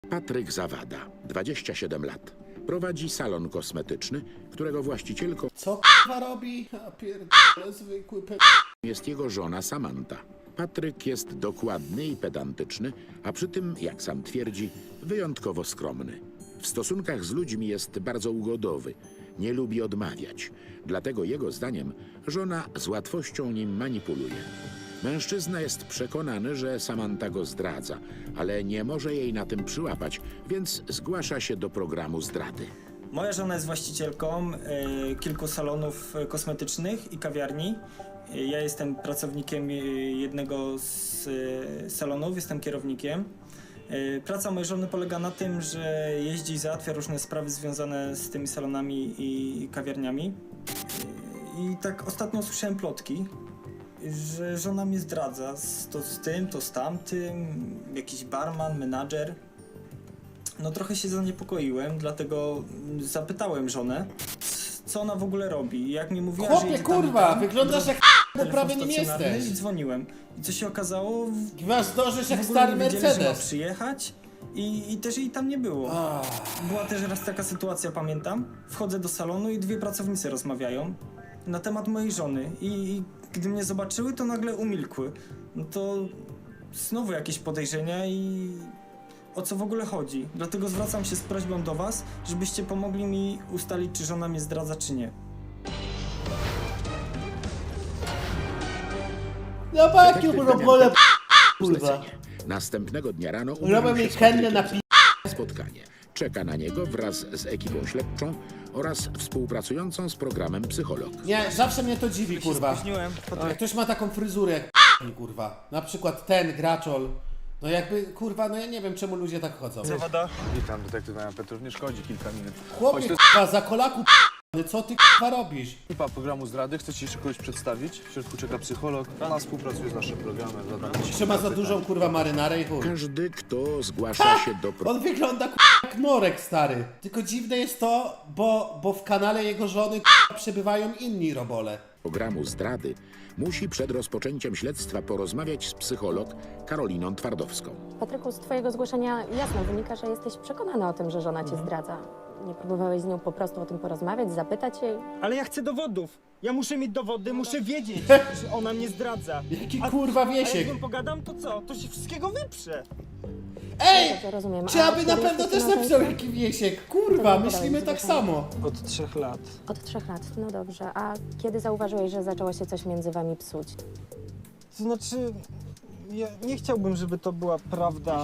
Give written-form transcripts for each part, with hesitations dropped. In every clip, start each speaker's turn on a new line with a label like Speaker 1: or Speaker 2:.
Speaker 1: Patryk Zawada, 27 lat. Prowadzi salon kosmetyczny, którego właścicielką
Speaker 2: Co k***a robi? A pierdolę, zwykły
Speaker 1: jest jego żona Samanta. Patryk jest dokładny i pedantyczny, a przy tym, jak sam twierdzi, wyjątkowo skromny. W stosunkach z ludźmi jest bardzo ugodowy, nie lubi odmawiać. Dlatego jego zdaniem żona z łatwością nim manipuluje. Mężczyzna jest przekonany, że Samanta go zdradza, ale nie może jej na tym przyłapać, więc zgłasza się do programu zdrady.
Speaker 3: Moja żona jest właścicielką kilku salonów kosmetycznych i kawiarni. Ja jestem pracownikiem jednego z salonów, jestem kierownikiem. Praca mojej żony polega na tym, że jeździ i załatwia różne sprawy związane z tymi salonami i kawiarniami. I tak ostatnio słyszałem plotki, że żona mnie zdradza, to z tym, to z tamtym, jakiś barman, menadżer. No trochę się zaniepokoiłem, dlatego zapytałem żonę, co ona w ogóle robi. Jak mi mówiła, że
Speaker 2: Chłopie,
Speaker 3: jedzie tam i
Speaker 2: kurwa,
Speaker 3: tam,
Speaker 2: wyglądasz jak bo
Speaker 3: telefon
Speaker 2: prawie nim
Speaker 3: stacjonarny
Speaker 2: jesteś.
Speaker 3: I dzwoniłem. I co się okazało,
Speaker 2: Chyba zdążysz jak
Speaker 3: w ogóle
Speaker 2: stary
Speaker 3: nie wiedzieli, że ma
Speaker 2: Mercedes.
Speaker 3: przyjechać i też jej tam nie było. Była też raz taka sytuacja, pamiętam. Wchodzę do salonu i dwie pracownice rozmawiają na temat mojej żony i gdy mnie zobaczyły, to nagle umilkły. No to znowu jakieś podejrzenia i o co w ogóle chodzi. Dlatego zwracam się z prośbą do was, żebyście pomogli mi ustalić, czy żona mnie zdradza, czy nie.
Speaker 2: No pakiu,
Speaker 1: Detektyw
Speaker 2: bo pole kurwa.
Speaker 1: zlecenie. Następnego dnia rano
Speaker 2: Robię
Speaker 1: umówił
Speaker 2: mi
Speaker 1: się z
Speaker 2: kennę
Speaker 1: Patrykiem
Speaker 2: na
Speaker 1: spotkanie. Czeka na niego wraz z ekipą śledczą oraz współpracującą z programem psycholog.
Speaker 2: Nie, zawsze mnie to dziwi, kurwa.
Speaker 3: Spóźniłem.
Speaker 2: Jak ktoś ma taką fryzurę jak kurwa. Na przykład ten graczol. No jakby, kurwa, no ja nie wiem czemu ludzie tak chodzą.
Speaker 3: Zawada.
Speaker 4: Witam, detektyw Jan Petrów, nie szkodzi kilka minut.
Speaker 2: Chłopie,
Speaker 4: Chodź,
Speaker 2: kurwa, za kolaku co ty kurwa robisz?
Speaker 4: ekipa programu zdrady, chcę ci jeszcze kogoś przedstawić. W środku czeka psycholog, ona współpracuje z naszym programem. Zadam ci
Speaker 2: Trzyma za
Speaker 4: kilka
Speaker 2: dużą kurwa marynarę i chuj.
Speaker 1: Każdy, kto zgłasza się do
Speaker 2: On wygląda kurwa jak Norek, stary. Tylko dziwne jest to, bo w kanale jego żony kurwa, przebywają inni robole.
Speaker 1: programu zdrady, musi przed rozpoczęciem śledztwa porozmawiać z psycholog Karoliną Twardowską.
Speaker 5: Patryku, z twojego zgłoszenia jasno wynika, że jesteś przekonany o tym, że żona cię zdradza. Nie próbowałeś z nią po prostu o tym porozmawiać, zapytać jej?
Speaker 6: Ale ja chcę dowodów. Ja muszę mieć dowody, muszę wiedzieć, że ona mnie zdradza.
Speaker 2: Jaki kurwa
Speaker 6: A
Speaker 2: wiesiek.
Speaker 6: jak z nią pogadam, to co? To się wszystkiego wyprze.
Speaker 2: Ej!
Speaker 5: Dobrze, rozumiem.
Speaker 2: Trzeba
Speaker 5: A
Speaker 2: by na
Speaker 5: kiedy
Speaker 2: pewno
Speaker 5: jesteś
Speaker 2: też
Speaker 5: na
Speaker 2: napisał
Speaker 5: małżeństwie?
Speaker 2: jaki wiesiek. Kurwa,
Speaker 5: To nie
Speaker 2: myślimy
Speaker 5: podałeś
Speaker 2: tak
Speaker 5: zgłoszenia.
Speaker 2: samo.
Speaker 3: Od 3 lat.
Speaker 5: Od 3 lat, no dobrze. A kiedy zauważyłeś, że zaczęło się coś między wami psuć?
Speaker 6: To znaczy, ja nie chciałbym, żeby to była prawda.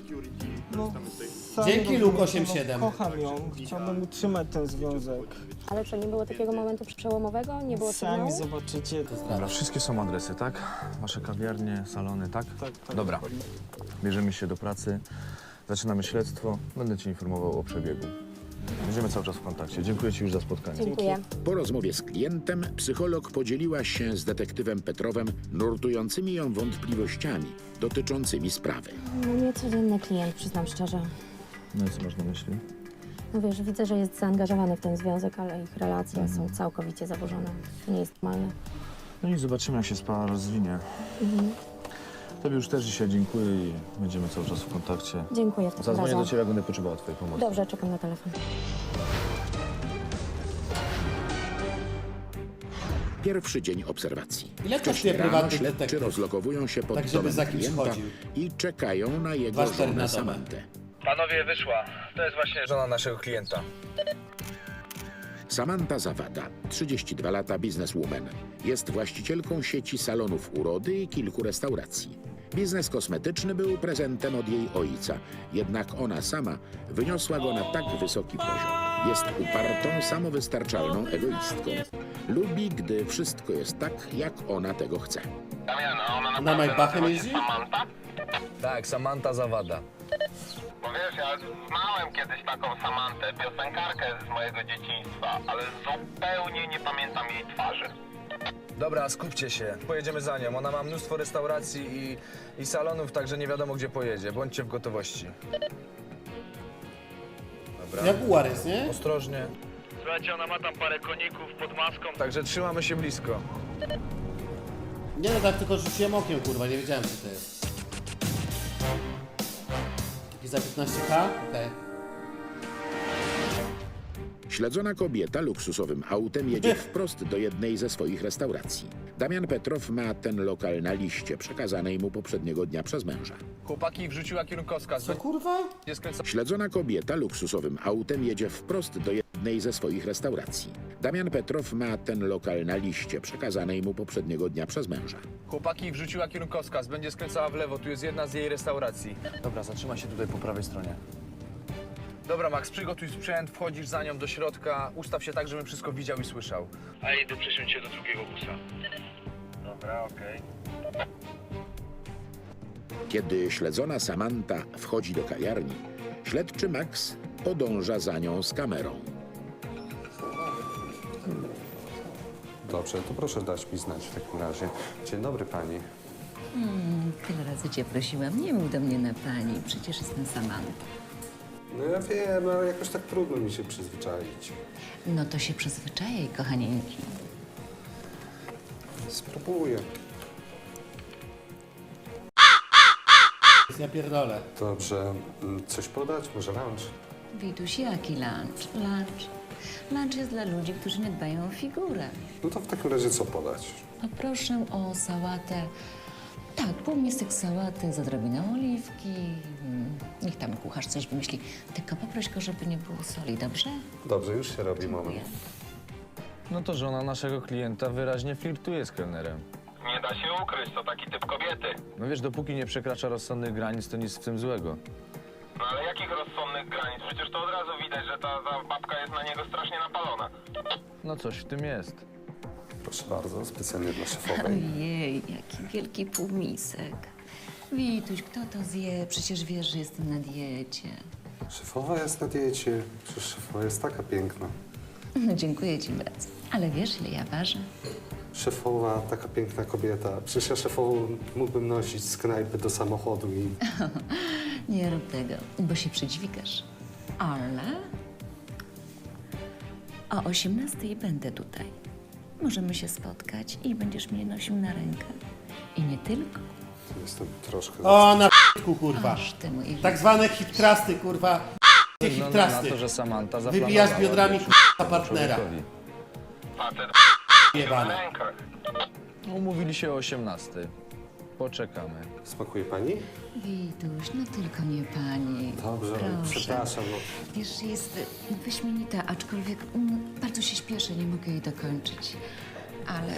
Speaker 6: No, sam
Speaker 2: Dzięki,
Speaker 6: rozumiem,
Speaker 2: Luke
Speaker 6: no,
Speaker 2: 87.
Speaker 6: kocham ją, chciałbym utrzymać ten związek.
Speaker 5: Ale co, nie było takiego momentu przełomowego? Nie było
Speaker 6: Sami
Speaker 5: sygnału?
Speaker 6: zobaczycie.
Speaker 4: Dobra, wszystkie są adresy, tak? Wasze kawiarnie, salony, tak?
Speaker 6: Tak,
Speaker 4: Dobra,
Speaker 6: dokładnie.
Speaker 4: bierzemy się do pracy, zaczynamy śledztwo, będę ci informował o przebiegu. Będziemy cały czas w kontakcie. Dziękuję ci już za spotkanie.
Speaker 5: Dziękuję.
Speaker 1: Po rozmowie z klientem psycholog podzieliła się z detektywem Petrowem nurtującymi ją wątpliwościami dotyczącymi sprawy.
Speaker 5: No niecodzienny klient, przyznam szczerze.
Speaker 4: No i co masz na myśli?
Speaker 5: No wiesz, widzę, że jest zaangażowany w ten związek, ale ich relacje są całkowicie zaburzone. To nie jest normalne.
Speaker 4: No i zobaczymy, jak się sprawa rozwinie. Tobie już też dzisiaj dziękuję i będziemy cały czas w kontakcie.
Speaker 5: Dziękuję w takim
Speaker 4: Zadzwonię
Speaker 5: razie.
Speaker 4: do ciebie, jak będę potrzebowała twojej pomocy.
Speaker 5: Dobrze, czekam na telefon.
Speaker 1: Pierwszy dzień obserwacji.
Speaker 2: Ile
Speaker 1: Wcześniej
Speaker 2: kosztuje
Speaker 1: rano
Speaker 2: prywatny
Speaker 1: śledczy
Speaker 2: detektyw?
Speaker 1: rozlokowują się pod
Speaker 2: Tak, żeby
Speaker 1: domem
Speaker 2: za kimś
Speaker 1: klienta
Speaker 2: chodził.
Speaker 1: i czekają na jego
Speaker 2: 2,4 na
Speaker 1: żonę
Speaker 2: dobę.
Speaker 1: Samantę.
Speaker 4: Panowie, wyszła. To jest właśnie żona naszego klienta.
Speaker 1: Samanta Zawada, 32 lata, bizneswoman. Jest właścicielką sieci salonów urody i kilku restauracji. Biznes kosmetyczny był prezentem od jej ojca, jednak ona sama wyniosła go na tak wysoki poziom. Jest upartą, samowystarczalną egoistką. Lubi, gdy wszystko jest tak, jak ona tego chce.
Speaker 2: Na Maybachem jeździ?
Speaker 4: Tak, Samanta Zawada.
Speaker 7: Bo wiesz, ja znałem kiedyś taką Samantę, piosenkarkę z mojego dzieciństwa, ale zupełnie nie pamiętam jej twarzy.
Speaker 4: Dobra, skupcie się. Pojedziemy za nią. Ona ma mnóstwo restauracji i salonów, także nie wiadomo, gdzie pojedzie. Bądźcie w gotowości. Dobra.
Speaker 2: Jaguar jest, nie?
Speaker 4: Ostrożnie.
Speaker 6: Słuchajcie, ona ma tam parę koników pod maską.
Speaker 4: Także trzymamy się blisko.
Speaker 2: Nie no, tak tylko rzuciłem okiem, kurwa, nie wiedziałem co to jest. I za 15K? Okej.
Speaker 1: Śledzona kobieta luksusowym autem jedzie wprost do jednej ze swoich restauracji. Damian Petrow ma ten lokal na liście przekazanej mu poprzedniego dnia przez męża.
Speaker 4: Chłopaki wrzuciła kierunkowskaz.
Speaker 2: Co kurwa?
Speaker 4: Będzie skręcała
Speaker 1: Śledzona kobieta luksusowym autem jedzie wprost do jednej ze swoich restauracji. Damian Petrow ma ten lokal na liście przekazanej mu poprzedniego dnia przez męża.
Speaker 4: Chłopaki wrzuciła kierunkowskaz. Będzie skręcała w lewo. Tu jest jedna z jej restauracji. Dobra, zatrzymaj się tutaj po prawej stronie. Dobra, Max, przygotuj sprzęt, wchodzisz za nią do środka. Ustaw się tak, żebym wszystko widział i słyszał. A idę przesiąść się do drugiego busa. Dobra, okej.
Speaker 1: Kiedy śledzona Samanta wchodzi do kawiarni, śledczy Max podąża za nią z kamerą.
Speaker 8: Dobrze, to proszę dać mi znać w takim razie. Dzień dobry pani.
Speaker 9: Tyle razy cię prosiłam, nie mów do mnie na pani, przecież jestem Samanta.
Speaker 8: No ja wiem, ale jakoś tak trudno mi się przyzwyczaić.
Speaker 9: No to się przyzwyczajaj, kochanieńki.
Speaker 8: Spróbuję.
Speaker 2: Ja pierdolę.
Speaker 8: Dobrze, coś podać? Może lunch?
Speaker 9: Wituś, jaki lunch? Lunch jest dla ludzi, którzy nie dbają o figurę.
Speaker 8: No to w takim razie co podać?
Speaker 9: A proszę o sałatę. Tak, półmisek sałaty z odrobiną oliwki. Niech tam kucharz coś wymyśli. Tylko poproś go, żeby nie było soli, dobrze?
Speaker 8: Dobrze, już się robi, moment.
Speaker 9: Dziękuję.
Speaker 4: No to żona naszego klienta wyraźnie flirtuje z kelnerem.
Speaker 7: Nie da się ukryć, to taki typ kobiety.
Speaker 4: No wiesz, dopóki nie przekracza rozsądnych granic, to nic w tym złego.
Speaker 7: No ale jakich rozsądnych granic? Przecież to od razu widać, że ta babka jest na niego strasznie napalona.
Speaker 4: No coś w tym jest.
Speaker 8: Proszę bardzo, specjalnie dla szefowej.
Speaker 9: Ojej, jaki wielki półmisek. Wituś, kto to zje? Przecież wiesz, że jestem na diecie.
Speaker 8: Szefowa jest na diecie. Przecież szefowa jest taka piękna.
Speaker 9: No, dziękuję ci bardzo. Ale wiesz, ile ja ważę?
Speaker 8: Szefowa, taka piękna kobieta. Przecież ja szefową mógłbym nosić z knajpy do samochodu i...
Speaker 9: Nie rób tego, bo się przydźwigasz. Ale o 18:00 będę tutaj. Możemy się spotkać i będziesz mnie nosił na rękę. I nie tylko.
Speaker 8: Jestem troszkę...
Speaker 2: O, na p***ku, kurwa.
Speaker 9: Aż ty mój
Speaker 2: Tak zwane hiptrasty, kurwa.
Speaker 4: No, na
Speaker 2: Hiptrasty.
Speaker 4: to, że Samanta
Speaker 2: Wybijasz
Speaker 4: zaplanowała
Speaker 2: biodrami,
Speaker 4: wieczór
Speaker 2: k***a, partnera.
Speaker 4: człowiekowi.
Speaker 7: Facet na
Speaker 2: Jebane.
Speaker 7: rękach.
Speaker 4: Umówili się o 18:00. Poczekamy.
Speaker 8: Smakuje pani?
Speaker 9: Wituś, no tylko nie pani.
Speaker 8: Dobrze,
Speaker 9: Proszę.
Speaker 8: przepraszam. No.
Speaker 9: Wiesz, jest wyśmienita, aczkolwiek bardzo się śpieszę, nie mogę jej dokończyć. Ale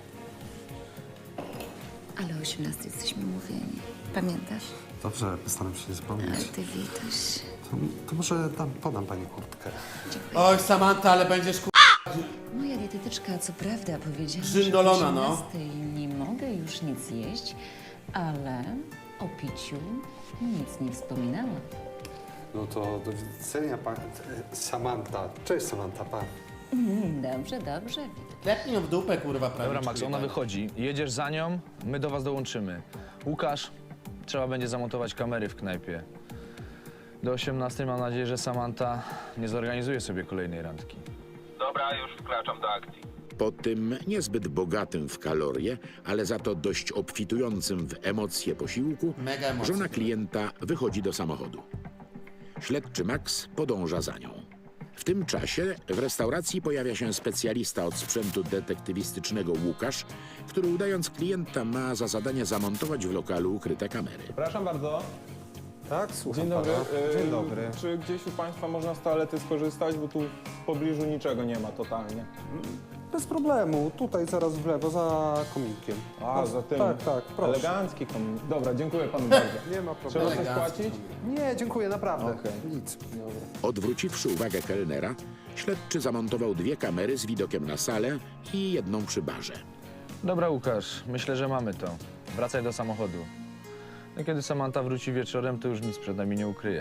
Speaker 9: o 18:00 jesteśmy umówieni. Pamiętasz?
Speaker 8: Dobrze, postaram się nie
Speaker 9: Ale
Speaker 8: zapomnieć.
Speaker 9: ty, Wituś.
Speaker 8: To może podam pani kurtkę.
Speaker 9: Dziękuję.
Speaker 2: Oj, Samanta, ale będziesz ku...
Speaker 9: Moja dietetyczka co prawda powiedziała,
Speaker 2: Żyndolona,
Speaker 9: że o
Speaker 2: no.
Speaker 9: 18:00 nie mogę już nic jeść, ale o piciu nic nie wspominała.
Speaker 8: No to do widzenia, pani Samanta. Cześć, Samanta, pa.
Speaker 9: Dobrze, dobrze.
Speaker 2: Klepnij ją w dupę, kurwa, prawie.
Speaker 4: Dobra, Max, ona wychodzi. Jedziesz za nią, my do was dołączymy. Łukasz, trzeba będzie zamontować kamery w knajpie. Do 18:00 mam nadzieję, że Samanta nie zorganizuje sobie kolejnej randki.
Speaker 7: Dobra, już wkraczam do akcji.
Speaker 1: Po tym niezbyt bogatym w kalorie, ale za to dość obfitującym w emocje posiłku,
Speaker 2: Mega emocje.
Speaker 1: żona klienta wychodzi do samochodu. Śledczy Max podąża za nią. W tym czasie w restauracji pojawia się specjalista od sprzętu detektywistycznego Łukasz, który udając klienta ma za zadanie zamontować w lokalu ukryte kamery.
Speaker 10: Przepraszam bardzo.
Speaker 8: Tak, słucham
Speaker 10: Dzień dobry.
Speaker 8: pana. Dzień dobry.
Speaker 10: Czy gdzieś u Państwa można z toalety skorzystać, bo tu w pobliżu niczego nie ma totalnie.
Speaker 8: Bez problemu. Tutaj zaraz w lewo, za kominkiem.
Speaker 10: A, za tym.
Speaker 8: Tak, proszę.
Speaker 10: Elegancki komin. Dobra, dziękuję Panu bardzo.
Speaker 8: Nie ma
Speaker 10: Trzeba
Speaker 8: problemu.
Speaker 10: coś
Speaker 2: Elegancki
Speaker 10: płacić?
Speaker 8: Nie, dziękuję, naprawdę.
Speaker 10: Okej.
Speaker 8: Nic.
Speaker 1: Odwróciwszy uwagę kelnera, śledczy zamontował 2 kamery z widokiem na salę i jedną przy barze.
Speaker 4: Dobra, Łukasz, myślę, że mamy to. Wracaj do samochodu. No, kiedy Samanta wróci wieczorem, to już nic przed nami nie ukryje.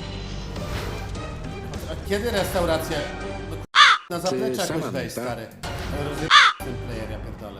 Speaker 2: A kiedy restauracja? No, na zaplecze jakoś
Speaker 1: Samanta?
Speaker 2: wejść, stary. Rozjeb... ten player, ja pierdolę.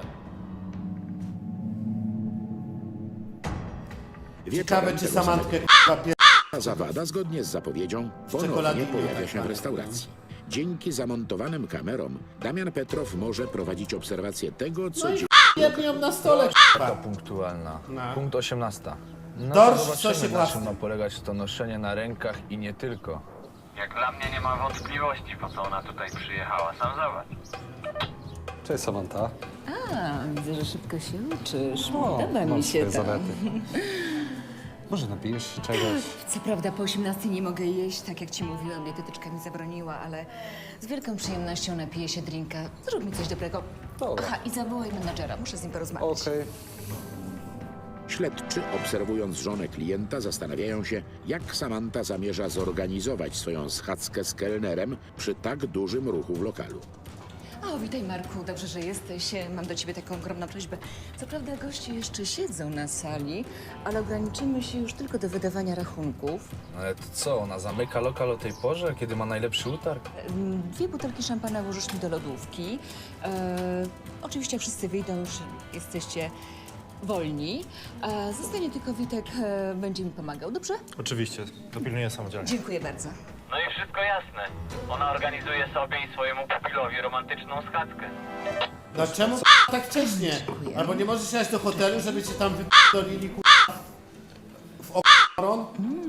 Speaker 2: Ciekawe, czy
Speaker 1: tego
Speaker 2: Samantkę
Speaker 1: samego
Speaker 2: k***a
Speaker 1: dnia zawada, zgodnie z zapowiedzią, ponownie
Speaker 2: czekoladami
Speaker 1: pojawia
Speaker 2: tak
Speaker 1: się w
Speaker 2: dalej.
Speaker 1: restauracji. Dzięki zamontowanym kamerom Damian Petrow może prowadzić obserwację tego, co
Speaker 2: No i
Speaker 1: dzieje
Speaker 2: jedni ją na stole,
Speaker 4: To
Speaker 2: k***a.
Speaker 4: punktualna.
Speaker 2: No.
Speaker 4: Punkt 18:00. No
Speaker 2: Dorsz
Speaker 4: to
Speaker 2: w
Speaker 4: zobaczymy,
Speaker 2: sosie
Speaker 4: na czym
Speaker 2: własnym.
Speaker 4: ma polegać to noszenie na rękach i nie tylko.
Speaker 7: Jak dla mnie nie ma wątpliwości, po co ona tutaj przyjechała. Sam zobacz.
Speaker 8: Cześć Samanta.
Speaker 9: A, widzę, że szybko się uczysz.
Speaker 8: O,
Speaker 9: Podoba
Speaker 8: mam
Speaker 9: mi się
Speaker 8: swoje
Speaker 9: to.
Speaker 8: zalety. Może napijesz się czegoś?
Speaker 9: Co prawda po 18 nie mogę jeść, tak jak ci mówiłam, dietetyczka mi zabroniła, ale z wielką przyjemnością napiję się drinka. Zrób mi coś dobrego.
Speaker 8: Dobra.
Speaker 9: Aha, i zawołaj menadżera, muszę z nim porozmawiać.
Speaker 8: Okej.
Speaker 1: Śledczy, obserwując żonę klienta, zastanawiają się, jak Samanta zamierza zorganizować swoją schadzkę z kelnerem przy tak dużym ruchu w lokalu.
Speaker 9: O, witaj Marku, dobrze, że jesteś. Mam do ciebie taką ogromną prośbę. Co prawda goście jeszcze siedzą na sali, ale ograniczymy się już tylko do wydawania rachunków.
Speaker 4: Ale to co, ona zamyka lokal o tej porze, kiedy ma najlepszy utarg?
Speaker 9: 2 butelki szampana włożysz mi do lodówki. Oczywiście jak wszyscy wyjdą, już jesteście wolni. Zostanie tylko Witek, będzie mi pomagał, dobrze?
Speaker 11: Oczywiście, dopilnuję samodzielnie.
Speaker 9: Dziękuję bardzo.
Speaker 7: No i wszystko jasne. Ona organizuje sobie i swojemu pupilowi romantyczną schadzkę.
Speaker 2: No czemu tak wcześnie? Albo nie możesz jechać do hotelu, żeby cię tam wyp***dolili w o***ron?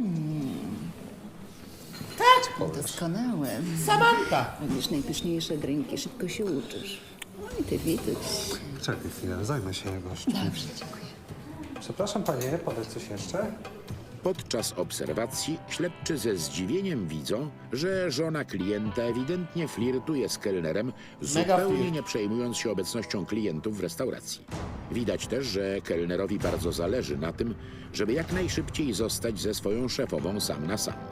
Speaker 9: Doskonałe.
Speaker 2: Samanta!
Speaker 9: Robisz najpyszniejsze drinki, szybko się uczysz. No i ty, Witek.
Speaker 8: Czekaj chwilę, zajmę się gościem.
Speaker 9: Dobrze, dziękuję.
Speaker 8: Przepraszam panie, podać coś jeszcze?
Speaker 1: Podczas obserwacji śledczy ze zdziwieniem widzą, że żona klienta ewidentnie flirtuje z kelnerem, zupełnie
Speaker 2: flirt.
Speaker 1: nie przejmując się obecnością klientów w restauracji. Widać też, że kelnerowi bardzo zależy na tym, żeby jak najszybciej zostać ze swoją szefową sam na sam.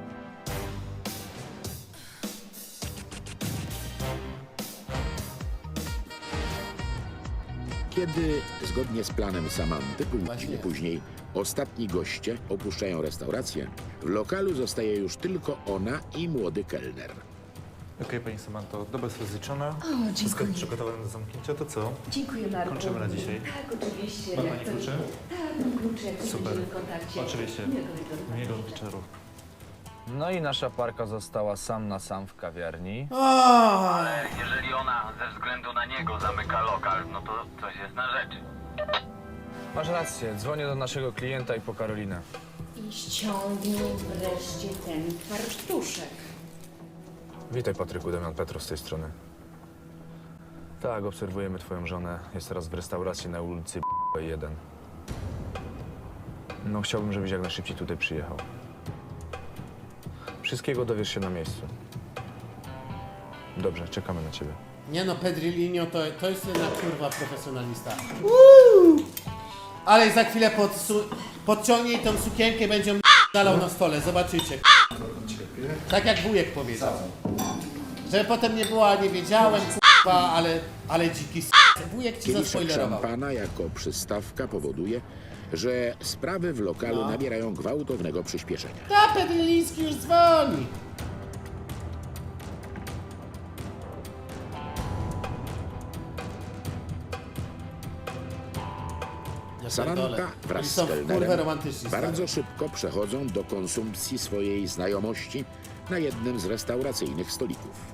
Speaker 1: Kiedy, zgodnie z planem Samanty, godzinę później ostatni goście opuszczają restaurację, w lokalu zostaje już tylko ona i młody kelner.
Speaker 11: Okej, pani Samanto, doba jest rozliczona.
Speaker 9: O,
Speaker 11: Wszystko
Speaker 9: dziękuję.
Speaker 11: przygotowane do zamknięcia, to co?
Speaker 9: Dziękuję, Marku.
Speaker 11: Kończymy na dzisiaj.
Speaker 9: Tak, oczywiście.
Speaker 11: Ma pani klucze?
Speaker 9: Tak, mam klucze, jak
Speaker 11: Super.
Speaker 9: będziemy w kontakcie.
Speaker 11: Oczywiście.
Speaker 9: Miłego wieczoru.
Speaker 11: Miłego wieczoru.
Speaker 4: No i nasza parka została sam na sam w kawiarni.
Speaker 7: Ale jeżeli ona ze względu na niego zamyka lokal, no to coś jest na rzeczy.
Speaker 4: Masz rację, dzwonię do naszego klienta i po Karolinę.
Speaker 9: I ściągnij wreszcie ten farsztuszek.
Speaker 4: Witaj Patryku, Damian Petro z tej strony. Tak, obserwujemy twoją żonę. Jest teraz w restauracji na ulicy 1. No chciałbym, żebyś jak najszybciej tutaj przyjechał. Wszystkiego dowiesz się na miejscu. Dobrze, czekamy na ciebie.
Speaker 2: Nie no, Pedrilinho to jest jednak kurwa profesjonalista. Ale za chwilę podciągnie jej tą sukienkę i będzie ją dalał na stole, zobaczycie. Tak jak wujek powiedział. Żeby potem nie było, a nie wiedziałem, kurwa, ale dziki wujek ci
Speaker 1: Kieliszek
Speaker 2: zaspoilerował.
Speaker 1: szampana jako przystawka powoduje, że sprawy w lokalu nabierają gwałtownego przyspieszenia.
Speaker 2: Ta Pedriliński już dzwoni. Ja
Speaker 1: Samanta
Speaker 2: pierdolę.
Speaker 1: wraz
Speaker 2: Oni
Speaker 1: z
Speaker 2: są kurwa
Speaker 1: kelnerem
Speaker 2: romantyczni.
Speaker 1: bardzo
Speaker 2: stary.
Speaker 1: szybko przechodzą do konsumpcji swojej znajomości na jednym z restauracyjnych stolików.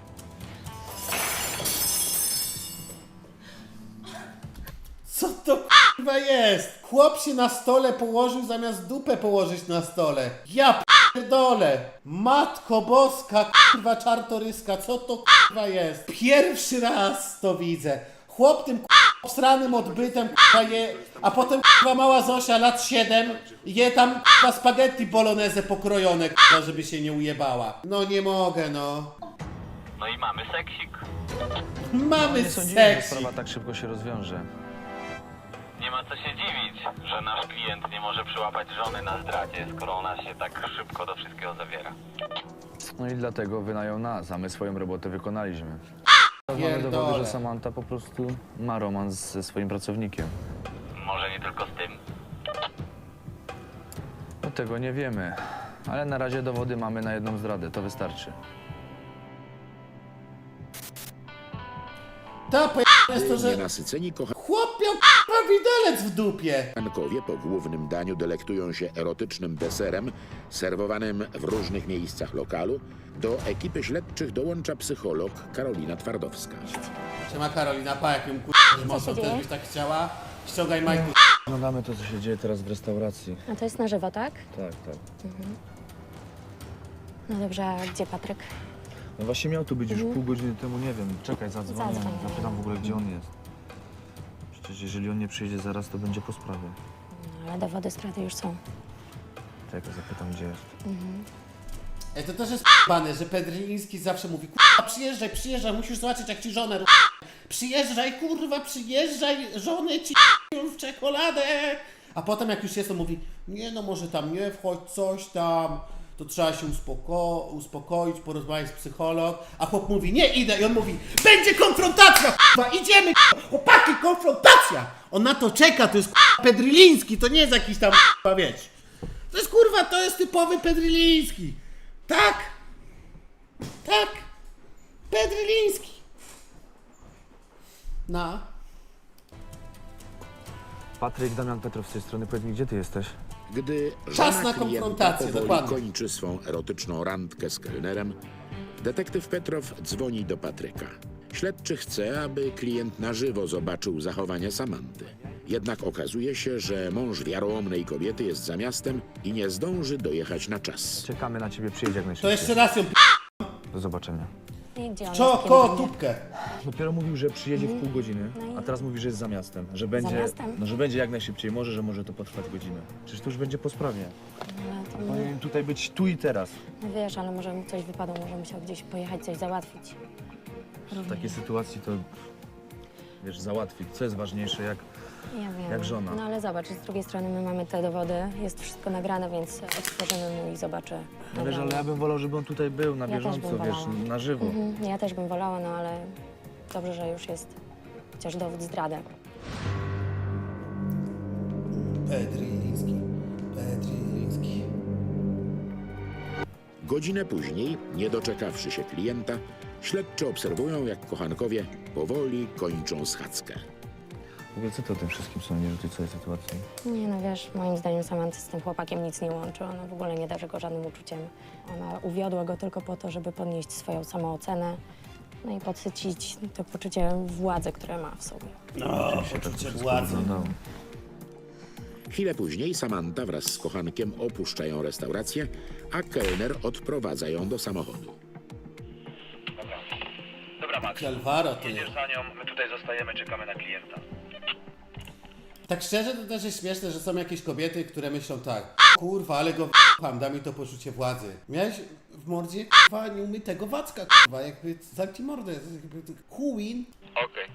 Speaker 2: Co to kurwa jest? Chłop się na stole położył zamiast dupę położyć na stole. Ja pierdolę. Matko boska, kurwa czartoryska, co to kurwa jest? Pierwszy raz to widzę. Chłop tym obsranym odbytem kurwa je, a potem kurwa mała Zosia lat 7 je tam kurwa spaghetti bolognese pokrojone kurwa, żeby się nie ujebała. No nie mogę no.
Speaker 7: No i mamy seksik.
Speaker 2: Mamy
Speaker 4: Nie sądziłem, że
Speaker 2: seksy.
Speaker 4: sprawa tak szybko się rozwiąże.
Speaker 7: Nie ma co się dziwić, że nasz klient nie może przyłapać żony na zdradzie, skoro ona się tak szybko do wszystkiego zawiera.
Speaker 4: No i dlatego wynają nas, a my swoją robotę wykonaliśmy. Mamy
Speaker 2: Pierdolę.
Speaker 4: dowody, że Samanta po prostu ma romans ze swoim pracownikiem.
Speaker 7: Może nie tylko z tym.
Speaker 4: No tego nie wiemy, ale na razie dowody mamy na jedną zdradę, to wystarczy.
Speaker 2: Ta jest to, że
Speaker 1: Nienasyceni
Speaker 2: chłop miał kurwa widelec w dupie.
Speaker 1: kochankowie po głównym daniu delektują się erotycznym deserem serwowanym w różnych miejscach lokalu. Do ekipy śledczych dołącza psycholog Karolina Twardowska.
Speaker 2: Siema Karolina, pa jak ją kurwa mocno
Speaker 5: się
Speaker 2: też
Speaker 5: dzieje?
Speaker 2: byś tak chciała. Ściągaj majku
Speaker 11: Oglądamy to, co się dzieje teraz w restauracji.
Speaker 5: A to jest na żywo, tak?
Speaker 11: Tak, tak.
Speaker 5: No dobrze, a gdzie Patryk?
Speaker 11: No właśnie miał tu być już pół godziny temu, nie wiem. Czekaj, zadzwonię,
Speaker 5: Zadzwoń.
Speaker 11: zapytam w ogóle, gdzie on jest. Przecież jeżeli on nie przyjdzie zaraz, to będzie po sprawie.
Speaker 5: No, ale dowody zdrady już są.
Speaker 11: Czekaj, zapytam, gdzie jest.
Speaker 2: Ej, to też jest p***bane, że Pedriński zawsze mówi, kurwa, przyjeżdżaj, musisz zobaczyć, jak ci żonę przyjeżdżaj, kurwa, przyjeżdżaj, żonę ci w czekoladę. A potem jak już jest, to mówi, nie no, może tam nie wchodź, coś tam, to trzeba się uspokoić, porozmawiać z psycholog. A chłop mówi, nie idę, i on mówi, będzie konfrontacja, kurwa, idziemy, kurwa, chłopaki, konfrontacja. On na to czeka, to jest kurwa Pedriński, to nie jest jakiś tam, kurwa, wiesz. To jest, kurwa, to jest typowy Pedriński. Tak! Tak! Pedriński! No.
Speaker 11: Patryk, Damian Petrow z tej strony, powiedz mi, gdzie ty jesteś?
Speaker 1: Gdy
Speaker 2: Czas
Speaker 1: żona
Speaker 2: na
Speaker 1: klienta
Speaker 2: konfrontację,
Speaker 1: powoli
Speaker 2: dokładnie.
Speaker 1: kończy swą erotyczną randkę z kelnerem, detektyw Petrow dzwoni do Patryka. Śledczy chce, aby klient na żywo zobaczył zachowanie Samanty. Jednak okazuje się, że mąż wiarołomnej kobiety jest za miastem i nie zdąży dojechać na czas.
Speaker 11: Czekamy na ciebie, przyjedź jak
Speaker 2: To
Speaker 11: najszybciej.
Speaker 2: jeszcze raz ją
Speaker 11: Do zobaczenia.
Speaker 5: I gdzie on
Speaker 2: Czo,
Speaker 5: jest? Kim
Speaker 2: ko,
Speaker 5: będzie?
Speaker 2: tubkę.
Speaker 11: Dopiero mówił, że przyjedzie w pół godziny,
Speaker 5: No i-
Speaker 11: a teraz mówi, że jest za miastem. Że będzie,
Speaker 5: miastem?
Speaker 11: No, że będzie jak najszybciej, że może to potrwać godzinę. Przecież to już będzie po sprawie.
Speaker 5: No, to
Speaker 11: Powinien tutaj być tu i teraz.
Speaker 5: no wiesz, ale może mu coś wypadło, może musiał gdzieś pojechać, coś załatwić.
Speaker 11: W takiej sytuacji to, wiesz, załatwić. Co jest ważniejsze, jak
Speaker 5: Ja wiem.
Speaker 11: Jak żona.
Speaker 5: No ale zobacz, z drugiej strony my mamy te dowody, jest wszystko nagrane, więc otworzymy mu i zobaczę.
Speaker 11: No wiesz, ale ja bym wolał, żeby on tutaj był na
Speaker 5: Ja też
Speaker 11: bieżąco,
Speaker 5: bym
Speaker 11: wiesz,
Speaker 5: wolała.
Speaker 11: na żywo.
Speaker 5: Ja też bym wolała, no ale dobrze, że już jest chociaż dowód zdrady.
Speaker 2: Pedriński.
Speaker 1: Godzinę później, nie doczekawszy się klienta, śledczy obserwują, jak kochankowie powoli kończą schadzkę.
Speaker 11: W ogóle co ty o tym wszystkim sądzisz, o tej całej sytuacji?
Speaker 5: Nie no wiesz, moim zdaniem Samanty z tym chłopakiem nic nie łączy. Ona w ogóle nie darzy go żadnym uczuciem. Ona uwiodła go tylko po to, żeby podnieść swoją samoocenę, no i podsycić to poczucie władzy, które ma w sobie.
Speaker 2: No, poczucie władzy.
Speaker 1: Chwilę później Samanta wraz z kochankiem opuszczają restaurację, a kelner odprowadza ją do samochodu.
Speaker 4: Dobra, Max.
Speaker 2: Calvaro to jest.
Speaker 4: Jedziesz za nią, my tutaj zostajemy, czekamy na klienta.
Speaker 2: Tak szczerze, to też jest śmieszne, że są jakieś kobiety, które myślą tak, kurwa, ale go w***am, da mi to poczucie władzy. Miałeś w mordzie, kurwa, nieumytego wacka, kurwa, jakby zamknij mordę, jakby Queen.
Speaker 4: Okej.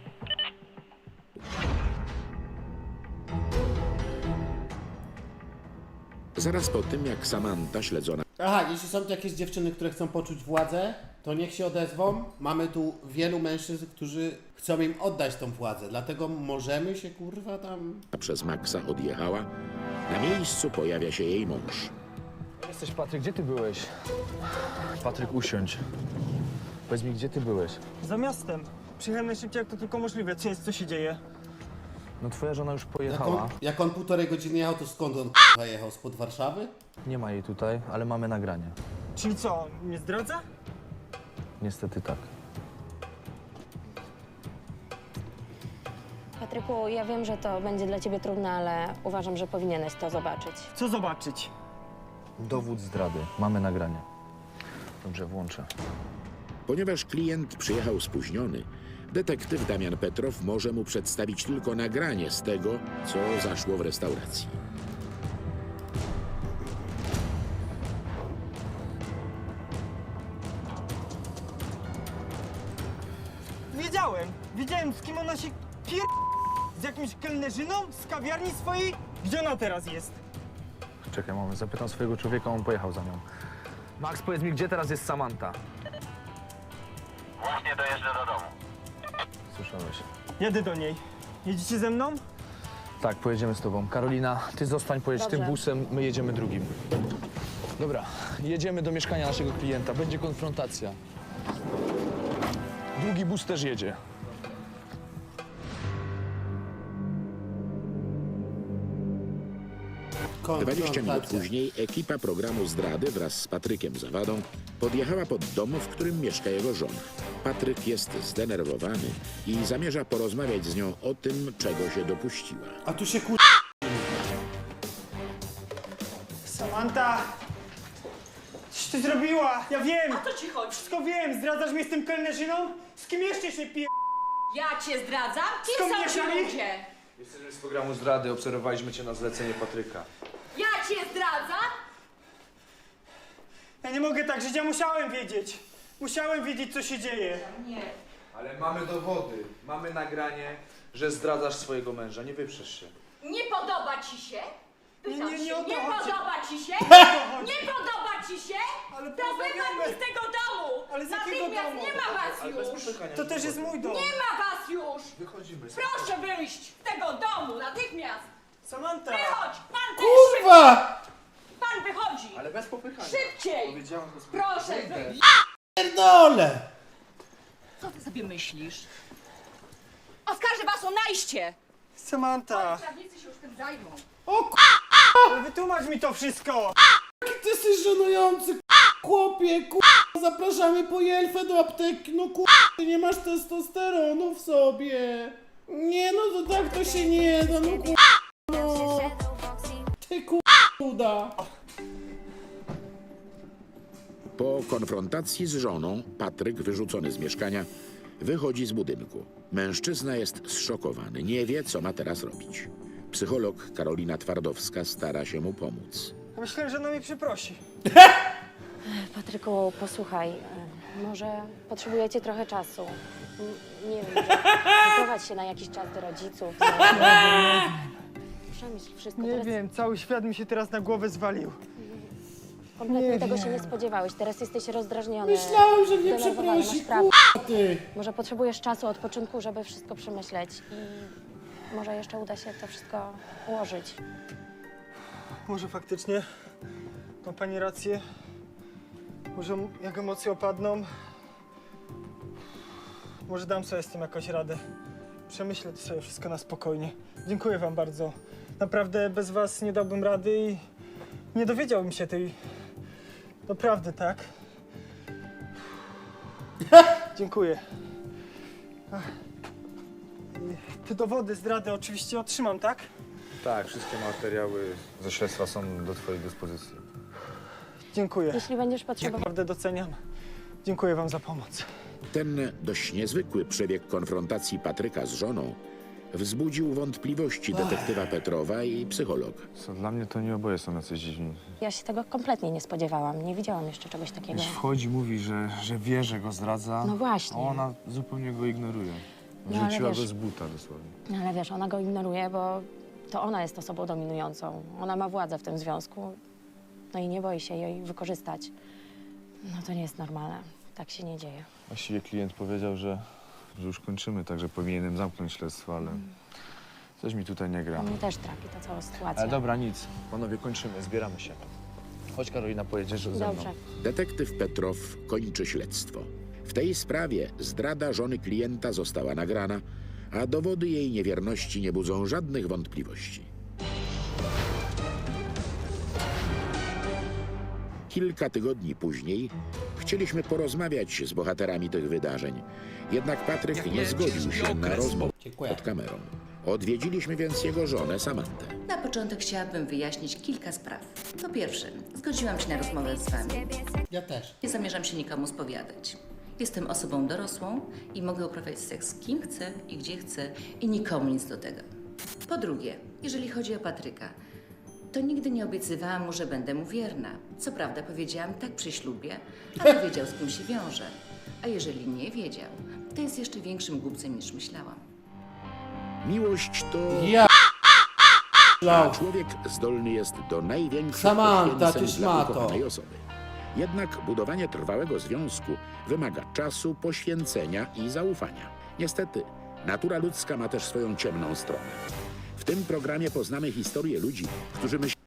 Speaker 1: Zaraz po tym, jak Samanta śledzona
Speaker 2: Aha, jeśli są tu jakieś dziewczyny, które chcą poczuć władzę, to niech się odezwą. Mamy tu wielu mężczyzn, którzy chcą im oddać tą władzę, dlatego możemy się, kurwa, tam...
Speaker 1: przez Maxa odjechała, na miejscu pojawia się jej mąż.
Speaker 11: Jesteś, Patryk, gdzie ty byłeś? Patryk, usiądź. Powiedz mi, gdzie ty byłeś?
Speaker 6: Za miastem. Przyjechałem najszybciej, jak to tylko możliwe. Co się dzieje?
Speaker 11: No twoja żona już pojechała.
Speaker 2: Jak on 1,5 godziny jechał, to skąd on, kurwa, jechał? Spod Warszawy?
Speaker 11: Nie ma jej tutaj, ale mamy nagranie.
Speaker 6: Czyli co, mnie zdradza?
Speaker 11: Niestety tak.
Speaker 5: Patryku, ja wiem, że to będzie dla ciebie trudne, ale uważam, że powinieneś to zobaczyć.
Speaker 6: Co zobaczyć?
Speaker 11: Dowód zdrady. Mamy nagranie. Dobrze, włączę.
Speaker 1: Ponieważ klient przyjechał spóźniony, detektyw Damian Petrow może mu przedstawić tylko nagranie z tego, co zaszło w restauracji.
Speaker 6: Wiedziałem, z kim ona się z jakimś kelnerzyną z kawiarni swojej? Gdzie ona teraz jest?
Speaker 11: Czekaj, moment, zapytam swojego człowieka, on pojechał za nią. Max, powiedz mi, gdzie teraz jest Samanta?
Speaker 7: Właśnie dojeżdżę do domu.
Speaker 11: Słyszałeś.
Speaker 6: Jadę do niej. Jedziecie ze mną?
Speaker 11: Tak, pojedziemy z tobą. Karolina, ty zostań, pojedź
Speaker 5: Dobrze.
Speaker 11: tym busem, my jedziemy drugim. Dobra, jedziemy do mieszkania naszego klienta, będzie konfrontacja. Drugi bus też jedzie.
Speaker 1: 20 minut później ekipa programu Zdrady wraz z Patrykiem Zawadą podjechała pod dom, w którym mieszka jego żona. Patryk jest zdenerwowany i zamierza porozmawiać z nią o tym, czego się dopuściła.
Speaker 2: A tu się
Speaker 6: Samanta! Coś ty zrobiła! Ja wiem!
Speaker 12: O co ci chodzi?
Speaker 6: Wszystko wiem! Zdradzasz mnie z tym kelnerzyną? Z kim jeszcze się pije?
Speaker 12: Ja cię zdradzam? Kim
Speaker 6: Skąd
Speaker 12: są ci
Speaker 6: mieszali?
Speaker 12: ludzie?
Speaker 11: Jesteśmy z programu zdrady, obserwowaliśmy cię na zlecenie Patryka.
Speaker 12: Ja cię zdradzam?
Speaker 6: Ja nie mogę tak żyć, ja musiałem wiedzieć! Musiałem wiedzieć, co się dzieje!
Speaker 12: Nie.
Speaker 11: Ale mamy dowody, mamy nagranie, że zdradzasz swojego męża, nie wyprzesz się.
Speaker 12: Nie podoba ci się? Pytam
Speaker 6: Nie, nie
Speaker 12: się,
Speaker 6: o to
Speaker 12: nie
Speaker 6: chodzi.
Speaker 12: podoba ci się?
Speaker 6: chodzi.
Speaker 12: Nie podoba ci się?
Speaker 6: Ale
Speaker 12: To
Speaker 6: porozmawiamy.
Speaker 12: wychodź z tego domu!
Speaker 6: Ale z jakiego
Speaker 12: Natychmiast
Speaker 6: domu?
Speaker 12: nie ma was
Speaker 11: Ale bez
Speaker 12: już!
Speaker 11: popykania.
Speaker 6: To też jest mój dom!
Speaker 12: Nie ma was już!
Speaker 11: Wychodzimy.
Speaker 12: Proszę wyjść z tego domu natychmiast!
Speaker 6: Samanta!
Speaker 12: Wychodź! Pan też!
Speaker 2: Kurwa!
Speaker 12: Pan wychodzi!
Speaker 11: Ale bez popychania.
Speaker 12: Szybciej!
Speaker 11: Powiedziałem bez
Speaker 12: Proszę wyjść!
Speaker 2: Pierdolę!
Speaker 12: Co ty sobie myślisz? Oskarżę was o najście!
Speaker 6: Samanta!
Speaker 12: Prawnicy się już tym zajmą.
Speaker 2: O
Speaker 6: Ale wytłumacz mi to wszystko!
Speaker 2: ty jesteś żenujący, chłopie, zapraszamy po jelfę do apteki, no ty nie masz testosteronu w sobie. Nie no, to tak to się nie da, no no. Ty uda.
Speaker 1: Po konfrontacji z żoną, Patryk, wyrzucony z mieszkania, wychodzi z budynku. Mężczyzna jest zszokowany, nie wie, co ma teraz robić. Psycholog Karolina Twardowska stara się mu pomóc.
Speaker 6: Ja myślałem, że ona mnie przeprosi.
Speaker 5: Patryku, posłuchaj, może potrzebujecie trochę czasu. Nie wiem, wyprowadź się na jakiś czas do rodziców. Przemyśl wszystko.
Speaker 6: Nie
Speaker 5: Teraz
Speaker 6: wiem, cały świat mi się teraz na głowę zwalił.
Speaker 5: kompletnie
Speaker 6: nie
Speaker 5: tego
Speaker 6: wiem.
Speaker 5: się nie spodziewałeś. Teraz jesteś rozdrażniony.
Speaker 2: Myślałem, że mnie
Speaker 5: zdenerwowany,
Speaker 2: przeprosi,
Speaker 5: masz prawo.
Speaker 2: ty.
Speaker 5: Może potrzebujesz czasu, odpoczynku, żeby wszystko przemyśleć i może jeszcze uda się to wszystko ułożyć.
Speaker 6: Może faktycznie ma pani rację. Może jak emocje opadną, może dam sobie z tym jakoś radę. Przemyślę to sobie wszystko na spokojnie. Dziękuję wam bardzo. Naprawdę bez was nie dałbym rady i nie dowiedziałbym się tej... Naprawdę, tak? Dziękuję. Ach. I te dowody zdrady oczywiście otrzymam, tak?
Speaker 11: Tak, wszystkie materiały ze śledztwa są do twojej dyspozycji.
Speaker 6: Dziękuję.
Speaker 5: Jeśli będziesz potrzebował...
Speaker 6: Naprawdę doceniam. Dziękuję wam za pomoc.
Speaker 1: Ten dość niezwykły przebieg konfrontacji Patryka z żoną wzbudził wątpliwości detektywa Petrowa i psychologa.
Speaker 11: Co, dla mnie to nie oboje są jacyś dziwni.
Speaker 5: Ja się tego kompletnie nie spodziewałam. Nie widziałam jeszcze czegoś takiego.
Speaker 11: Już wchodzi, mówi, że wie, że go zdradza.
Speaker 5: No właśnie.
Speaker 11: A ona zupełnie go ignoruje.
Speaker 5: No, ale
Speaker 11: Wrzuciła
Speaker 5: wiesz-
Speaker 11: go z buta dosłownie.
Speaker 5: No ale wiesz, ona go ignoruje, bo to ona jest osobą dominującą. Ona ma władzę w tym związku. No i nie boi się jej wykorzystać. No to nie jest normalne. Tak się nie dzieje.
Speaker 11: Właściwie klient powiedział, że już kończymy, także powinienem zamknąć śledztwo, ale coś mi tutaj nie gra.
Speaker 5: Mnie też trapi ta cała sytuacja.
Speaker 11: Ale dobra, nic. Panowie, kończymy, zbieramy się. Chodź, Karolina, pojedziesz ze mną.
Speaker 5: Dobrze.
Speaker 1: Detektyw Petrow kończy śledztwo. W tej sprawie zdrada żony klienta została nagrana, a dowody jej niewierności nie budzą żadnych wątpliwości. Kilka tygodni później chcieliśmy porozmawiać z bohaterami tych wydarzeń. Jednak Patryk nie zgodził się na rozmowę
Speaker 2: Dziękuję.
Speaker 1: pod kamerą. Odwiedziliśmy więc jego żonę Samantę.
Speaker 9: Na początek chciałabym wyjaśnić kilka spraw. Po pierwsze, zgodziłam się na rozmowę z wami.
Speaker 2: Ja też.
Speaker 9: Nie zamierzam się nikomu spowiadać. Jestem osobą dorosłą i mogę uprawiać seks z kim chcę i gdzie chcę i nikomu nic do tego. Po drugie, jeżeli chodzi o Patryka, to nigdy nie obiecywałam mu, że będę mu wierna. Co prawda powiedziałam tak przy ślubie, ale wiedział, z kim się wiąże. A jeżeli nie wiedział, to jest jeszcze większym głupcem niż myślałam.
Speaker 1: Miłość to...
Speaker 2: Ja
Speaker 1: A człowiek zdolny jest do największych
Speaker 2: Samanta,
Speaker 1: poświęceń
Speaker 2: ty
Speaker 1: dla
Speaker 2: szmato.
Speaker 1: ukochanej osoby. Jednak budowanie trwałego związku wymaga czasu, poświęcenia i zaufania. Niestety, natura ludzka ma też swoją ciemną stronę. W tym programie poznamy historię ludzi, którzy myślą,